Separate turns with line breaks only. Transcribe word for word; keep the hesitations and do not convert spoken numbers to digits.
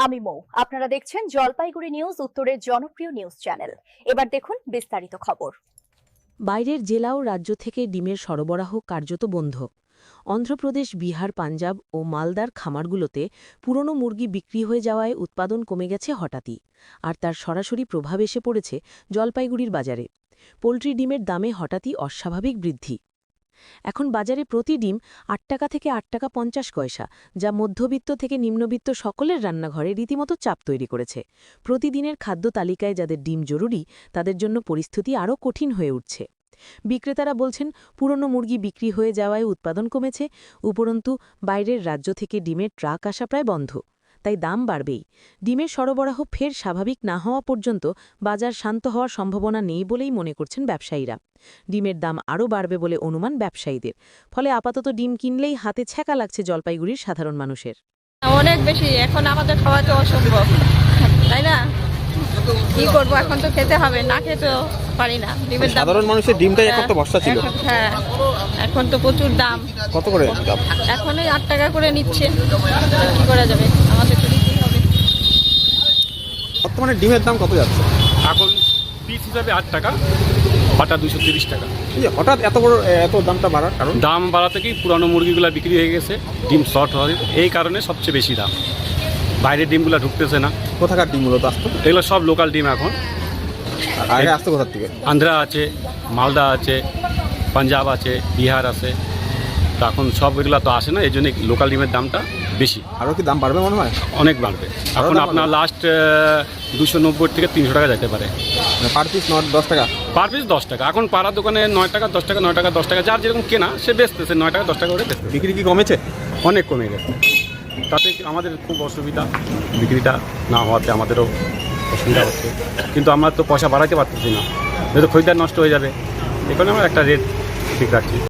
আমি মৌ, আপনারা দেখছেন জলপাইগুড়ি নিউজ, উত্তরের জনপ্রিয় নিউজ চ্যানেল। এবার দেখুন বিস্তারিত খবর।
বাইরের জেলা ও রাজ্য থেকে ডিমের সরবরাহ কার্যত বন্ধ। অন্ধ্রপ্রদেশ, বিহার, পাঞ্জাব ও মালদার খামারগুলোতে পুরনো মুরগি বিক্রি হয়ে যাওয়ায় উৎপাদন কমে গেছে হঠাৎই, আর তার সরাসরি প্রভাব এসে পড়েছে জলপাইগুড়ির বাজারে। পোলট্রি ডিমের দামে হঠাৎই অস্বাভাবিক বৃদ্ধি। এখন বাজারে প্রতি ডিম আট টাকা থেকে আট টাকা পঞ্চাশ পয়সা, যা মধ্যবিত্ত থেকে নিম্নবিত্ত সকলের রান্নাঘরে রীতিমতো চাপ তৈরি করেছে। প্রতিদিনের খাদ্য তালিকায় যাদের ডিম জরুরি, তাদের জন্য পরিস্থিতি আরও কঠিন হয়ে উঠছে। বিক্রেতারা বলছেন, পুরনো মুরগি বিক্রি হয়ে যাওয়ায় উৎপাদন কমেছে, উপরন্তু বাইরের রাজ্য থেকে ডিমের ট্রাক আসা প্রায় বন্ধ, তাই দাম বাড়বেই। ডিমের সরবরাহ ফের স্বাভাবিক না হওয়া পর্যন্ত বাজার শান্ত হওয়ার সম্ভাবনা নেই বলেই মনে করছেন ব্যবসায়ীরা। ডিমের দাম আরও বাড়বে বলে অনুমান ব্যবসায়ীদের, ফলে আপাতত ডিম কিনলেই হাতে ছ্যাঁকা লাগছে জলপাইগুড়ির সাধারণ মানুষের।
অনেক বেশি, এখন আমাদের খাওয়া তো অসম্ভব, তাই না? কি করবো, এখন তো খেতে হবে, না খেতেও পারি না। ডিমের দাম,
সাধারণ মানুষের ডিমটাই এখন তো ভরসা ছিল।
এখন- হ্যাঁ, এখন তো প্রচুর দাম।
কত করে দাম?
এখন এই আট টাকা করে নিচ্ছে, কি করা যাবে, আমাদের তো নিতেই হবে।
বর্তমানে ডিমের দাম কত যাচ্ছে?
এখন পিস হিসাবে আট টাকা, বাটা দুশো তিরিশ টাকা।
এই যে হঠাৎ এত বড় এত দামটা বাড়ার কারণ?
দাম বাড়া থেকেই পুরানো মুরগিগুলো বিক্রি হয়ে গেছে, ডিম শর্ট হয়, এই কারণে সবচেয়ে বেশি দাম। বাইরের ডিমগুলো ঢুকতেছে না।
কোথাকার ডিম মূলত আসতো?
এগুলো সব লোকাল ডিম এখন।
আগে আসতো কোথার থেকে?
আন্ধ্রা আছে, মালদা আছে, পাঞ্জাব আছে, বিহার আছে। তো এখন সব এগুলো তো আসে না, এই জন্য লোকাল ডিমের দামটা বেশি।
আরও কি দাম বাড়বে মনে হয়?
অনেক বাড়বে। এখন
দাম
আপনার
বাড়বে?
লাস্ট দুশো নব্বই থেকে তিনশো টাকা যেতে পারে
মানে পার পিস নয় দশ টাকা?
পার পিস দশ টাকা। এখন পাড়ার দোকানে নয় টাকা দশ টাকা নয় টাকা দশ টাকা, যার যেরকম কেনা সে বেচতেছে নয় টাকা দশ টাকা করে বেচতেছে।
বিক্রি কি কমেছে?
অনেক কমে গেছে, তাতে আমাদের খুব অসুবিধা। বিক্রিটা না হওয়াতে আমাদেরও অসুবিধা হচ্ছে, কিন্তু আমরা তো পয়সা বাড়াতে পারতেছি না, যেহেতু খরিদ্দার নষ্ট হয়ে যাবে। এখানে আমরা একটা রেট ঠিক রাখছি।